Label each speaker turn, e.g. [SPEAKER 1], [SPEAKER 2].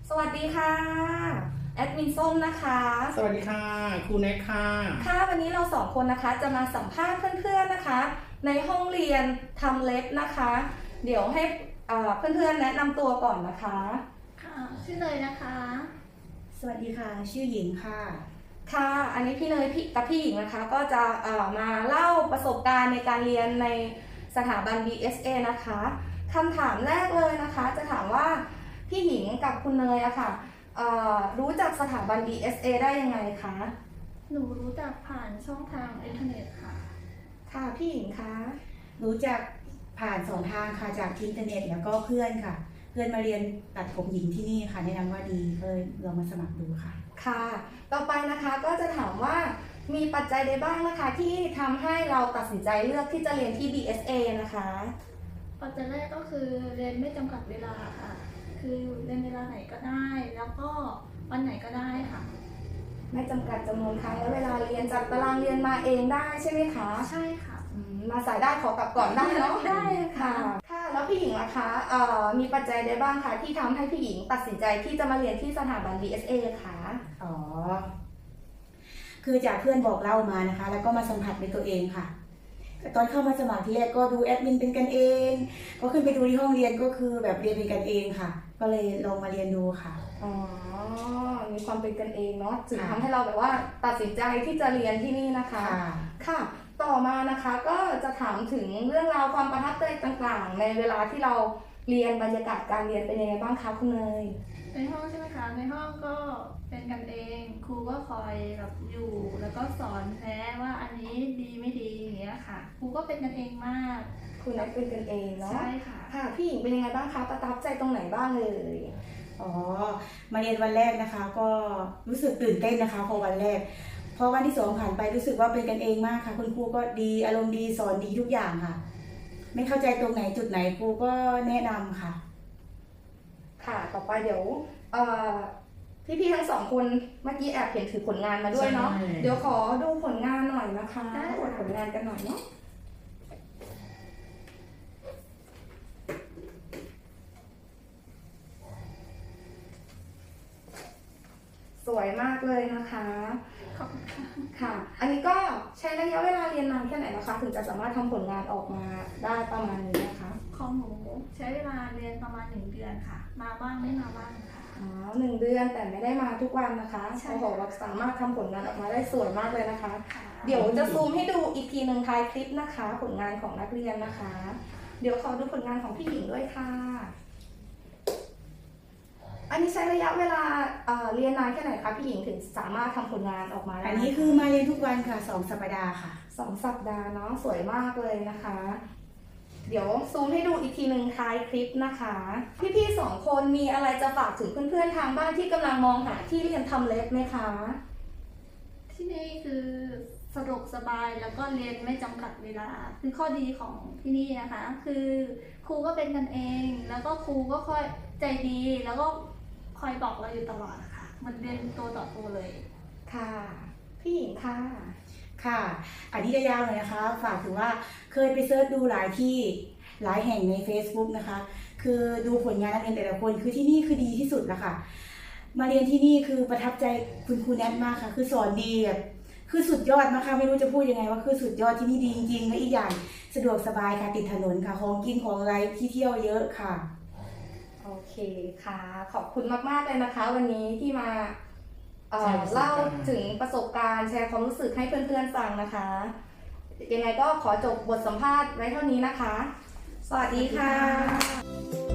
[SPEAKER 1] สวัสดีค่ะแอดมินส้มนะคะ
[SPEAKER 2] สวัสดีค่ะครูแน็กค่ะ
[SPEAKER 1] ค่ะวันนี้เราสองคนนะคะจะมาสัมภาษณ์เพื่อนๆนะคะในห้องเรียนทำเล็บนะคะเดี๋ยวให้เพื่อนๆแนะนำตัวก่อนนะคะ
[SPEAKER 3] ค่ะชื่อเลยนะคะ
[SPEAKER 4] สวัสดีค่ะชื่อหญิงค่ะ
[SPEAKER 1] ค่ะอันนี้พี่เนยกับพี่หญิงนะคะก็จะมาเล่าประสบการณ์ในการเรียนในสถาบัน BSA นะคะคำถามแรกเลยนะคะจะถามว่าพี่หญิงกับคุณเนยอะค่ะรู้จักสถาบัน BSA ได้ยังไงคะ
[SPEAKER 3] หนูรู้จักผ่านช่องทางอินเทอร์เน็ตค่ะ
[SPEAKER 1] ค่ะพี่หญิงคะ
[SPEAKER 4] รู้จักผ่าน2 ทางค่ะจากอินเทอร์เน็ตแล้วก็เพื่อนค่ะเพื่อนมาเรียนตัดผมหญิงที่นี่ค่ะแนะนำว่าดีเลยลองมาสมัครดูค่ะ
[SPEAKER 1] ค่ะต่อไปนะคะก็จะถามว่ามีปัจจัยใดบ้างนะคะที่ทำให้เราตัดสินใจเลือกที่จะเรียนที่ BSA นะคะ
[SPEAKER 3] ปัจจัยแรกก็คือเรียนไม่จำกัดเวลาค่ะคือเรียนเวลาไหนก็ได้แล้วก็วันไหนก็ได้ค่ะ
[SPEAKER 1] ไม่จำกัดจำนวนครั้งและเวลาเรียนจัดตารางเรียนมาเองได้ใช่ไหมคะ
[SPEAKER 3] ใช่ค่ะ
[SPEAKER 1] มาสายได้ขอกลับก่อนได้เนาะ
[SPEAKER 3] ได้ค่ะ
[SPEAKER 1] ค่ะแล้วพี่หญิงล่ะคะมีปัจจัยใดบ้างคะที่ทำให้พี่หญิงตัดสินใจที่จะมาเรียนที่สถาบัน BSA คะ
[SPEAKER 4] อ๋อคือจากเพื่อนบอกเล่ามานะคะแล้วก็มาสัมผัสในตัวเองค่ะตอนเข้ามาสมัครที่แรกก็ดูแอดมินเป็นกันเองก็ขึ้นไปดูที่ห้องเรียนก็คือแบบเรียนเป็นกันเองค่ะก็เลยลองมาเรียนดูค่ะ
[SPEAKER 1] อ๋อมีความเป็นกันเองเนาะถึงทำให้เราแบบว่าตัดสินใจที่จะเรียนที่นี่นะคะค่ะต่อมานะคะก็จะถามถึงเรื่องราวความประทับใจต่างๆในเวลาที่เราเรียนบรรยากาศการเรียนเป็นยังไงบ้างคะคุณเนย
[SPEAKER 3] ในห้องใช่ไหมคะในห้องก็เป็นกันเองครูก็คอยแบบอยู่แล้วก็สอนแนะว่าอันนี้ดีไม่ดีอย่างเงี้ยค่ะครูก็เป็นกันเองมาก
[SPEAKER 1] คุณนักเป็นกันเองเนาะ
[SPEAKER 3] ใช่ค่ะ
[SPEAKER 1] ค่ะพี่หญิงเป็นยังไงบ้างคะประทับใจตรงไหนบ้างเลย
[SPEAKER 4] อ๋อมาเรียนวันแรกนะคะก็รู้สึกตื่นเต้นนะคะพอวันแรกพอวันที่2ผ่านไปรู้สึกว่าเป็นกันเองมากค่ะคุณครูก็ดีอารมณ์ดีสอนดีทุกอย่างค่ะไม่เข้าใจตรงไหนจุดไหนครูก็แนะนำค่ะ
[SPEAKER 1] ค่ะต่อไปเดี๋ยวพี่ๆทั้งสองคนเมื่อกี้แอบเห็นถือผลงานมาด้วยเนาะเดี๋ยวขอดูผลงานหน่อยนะคะอวดผลงานกันหน่อยเนาะสวยมากเลยนะคะ
[SPEAKER 3] ขอบคุณ
[SPEAKER 1] ค่ะอันนี้ก็ใช้ระยะเวลาเรียนนานแค่ไหนนะคะถึงจะสามารถทำผลงานออกมาได้ประมาณนี้นะคะ
[SPEAKER 3] ของหนูใช้เวลาเรียนประมาณ1 เดือนค่ะมาบ้างไม่มาบ้างค่ะ
[SPEAKER 1] 1 เดือนแต่ไม่ได้มาทุกวันนะคะโอ้โหเราสามารถทำผลงานออกมาได้สวยมากเลยนะคะเดี๋ยวจะซูมให้ดูอีกทีหนึ่งท้ายคลิปนะคะ ผลงานของนักเรียนนะคะ เดี๋ยวขอดูผลงานของพี่หญิงด้วยค่ะอันนี้ใช้ระยะเวลาเรียนนานแค่ไหนคะพี่หญิงถึงสามารถทำผลงานออกมาได้
[SPEAKER 4] อันนี้คือมาเรียนทุกวันค่ะ2 สัปดาห์ค่ะ
[SPEAKER 1] 2 สัปดาห์เนาะสวยมากเลยนะคะ เดี๋ยวซูมให้ดูอีกทีหนึ่งท้ายคลิปนะคะพี่ๆ2 คนมีอะไรจะฝากถึงเพื่อนๆทางบ้านที่กำลังมองหาที่เรียนทำเล็บไหมคะ
[SPEAKER 3] ที่นี่คือสะดวกสบายแล้วก็เรียนไม่จำกัดเวลาคือข้อดีของที่นี่นะคะคือครูก็เป็นกันเองแล้วก็ครูก็ค่อยใจดีแล้วก็คอยบอกเราอยู่ตลอดนะคะมันเรียนตัวต่อตัวเลย
[SPEAKER 1] ค่ะพี่หญิงค่ะ
[SPEAKER 4] ค่ะอันนี้จะยาวเลยนะคะฝากถึงว่าเคยไปเซิร์ชดูหลายที่หลายแห่งใน Facebook นะคะคือดูผลงานนักเรียนแต่ละคนคือที่นี่คือดีที่สุดแล้วค่ะมาเรียนที่นี่คือประทับใจคุณครูแนทมากค่ะคือสอนดีแบบคือสุดยอดมากค่ะไม่รู้จะพูดยังไงว่าคือสุดยอดที่นี่ดีจริงๆและอีกอย่างสะดวกสบายค่ะติดถนนค่ะของกินของอะไรที่เที่ยวเยอะค่ะ
[SPEAKER 1] โอเคค่ะขอบคุณมากๆเลยนะคะวันนี้ที่มาเล่าถึงประสบการณ์แชร์ความรู้สึกให้เพื่อนๆฟังนะคะยังไงก็ขอจบบทสัมภาษณ์ไว้เท่านี้นะคะสวัสดีค่ะ